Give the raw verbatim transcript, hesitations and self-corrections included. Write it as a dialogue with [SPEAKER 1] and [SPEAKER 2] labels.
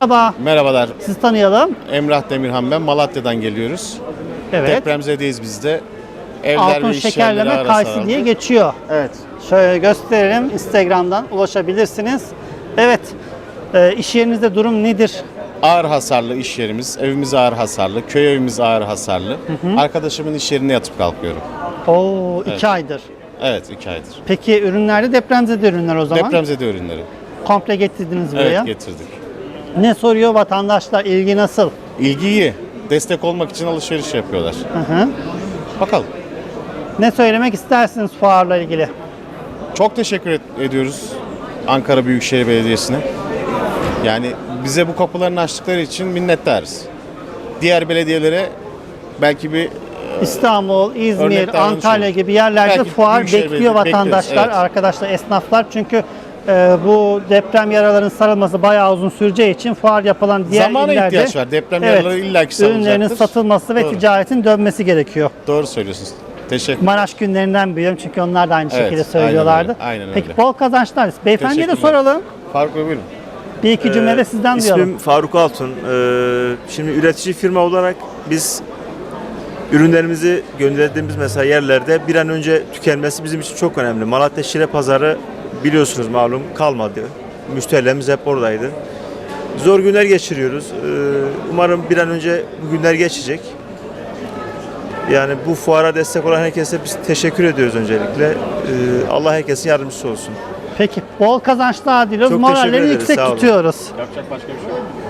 [SPEAKER 1] Merhaba,
[SPEAKER 2] Merhabalar.
[SPEAKER 1] sizi tanıyalım.
[SPEAKER 2] Emrah Demirhan ben. Malatya'dan geliyoruz.
[SPEAKER 1] Evet.
[SPEAKER 2] Depremzedeyiz biz de. Evler
[SPEAKER 1] Altın
[SPEAKER 2] ve iş yerleri
[SPEAKER 1] şekerleme
[SPEAKER 2] ara
[SPEAKER 1] kayısı
[SPEAKER 2] sarıldı.
[SPEAKER 1] diye geçiyor.
[SPEAKER 2] Evet.
[SPEAKER 1] Şöyle gösterelim. Instagram'dan ulaşabilirsiniz. Evet. E, iş yerinizde durum nedir?
[SPEAKER 2] Ağır hasarlı iş yerimiz. Evimiz ağır hasarlı. Köy evimiz ağır hasarlı. Arkadaşımın iş yerine yatıp kalkıyorum.
[SPEAKER 1] Oo, iki
[SPEAKER 2] Evet.
[SPEAKER 1] aydır.
[SPEAKER 2] Evet, iki aydır.
[SPEAKER 1] Peki ürünlerde depremzede ürünler o zaman.
[SPEAKER 2] Depremzede ürünleri.
[SPEAKER 1] Komple getirdiniz buraya.
[SPEAKER 2] Evet, getirdik.
[SPEAKER 1] Ne soruyor vatandaşlar? İlgi nasıl?
[SPEAKER 2] İlgi iyi. Destek olmak için alışveriş yapıyorlar.
[SPEAKER 1] Hı hı.
[SPEAKER 2] Bakalım.
[SPEAKER 1] Ne söylemek istersiniz fuarla ilgili?
[SPEAKER 2] Çok teşekkür et- ediyoruz Ankara Büyükşehir Belediyesi'ne. Yani bize bu kapılarını açtıkları için minnettarız. Diğer belediyelere belki bir
[SPEAKER 1] İstanbul, İzmir,
[SPEAKER 2] Örnek davranış
[SPEAKER 1] Antalya
[SPEAKER 2] olur.
[SPEAKER 1] gibi yerlerde
[SPEAKER 2] Belki
[SPEAKER 1] fuar
[SPEAKER 2] Büyükşehir
[SPEAKER 1] bekliyor
[SPEAKER 2] Belediye-
[SPEAKER 1] vatandaşlar,
[SPEAKER 2] bekleriz, evet.
[SPEAKER 1] arkadaşlar, esnaflar. Çünkü e, bu deprem yaralarının sarılması bayağı uzun süreceği için fuar yapılan diğer
[SPEAKER 2] Zamana
[SPEAKER 1] illerde
[SPEAKER 2] ihtiyaç var. Deprem yaraları illaki sarılacaktır.
[SPEAKER 1] ürünlerinin satılması ve
[SPEAKER 2] Doğru.
[SPEAKER 1] ticaretin dönmesi gerekiyor.
[SPEAKER 2] Doğru söylüyorsunuz. Teşekkür
[SPEAKER 1] Maraş günlerinden biliyorum çünkü onlar da aynı
[SPEAKER 2] Evet,
[SPEAKER 1] şekilde söylüyorlardı.
[SPEAKER 2] aynen öyle, aynen
[SPEAKER 1] Peki
[SPEAKER 2] öyle.
[SPEAKER 1] bol kazançlar. Beyefendiye de
[SPEAKER 2] Teşekkürler.
[SPEAKER 1] soralım.
[SPEAKER 2] Faruk Bey buyurun.
[SPEAKER 1] Bir iki cümle de sizden
[SPEAKER 3] İsmim
[SPEAKER 1] duyalım.
[SPEAKER 3] Faruk Altun. Ee, şimdi üretici firma olarak biz ürünlerimizi gönderdiğimiz mesela yerlerde bir an önce tükenmesi bizim için çok önemli. Malatya Şire Pazarı biliyorsunuz malum kalmadı. Müşterilerimiz hep oradaydı. Zor günler geçiriyoruz. Ee, umarım bir an önce bu günler geçecek. Yani bu fuara destek olan herkese biz teşekkür ediyoruz öncelikle. Ee, Allah herkesin yardımcısı olsun.
[SPEAKER 1] Peki bol kazançlar diliyoruz.
[SPEAKER 3] Çok teşekkür
[SPEAKER 1] Moralleri
[SPEAKER 3] ederiz,
[SPEAKER 1] yüksek
[SPEAKER 3] sağ olun.
[SPEAKER 1] tutuyoruz.
[SPEAKER 2] Yapacak başka bir şey yok.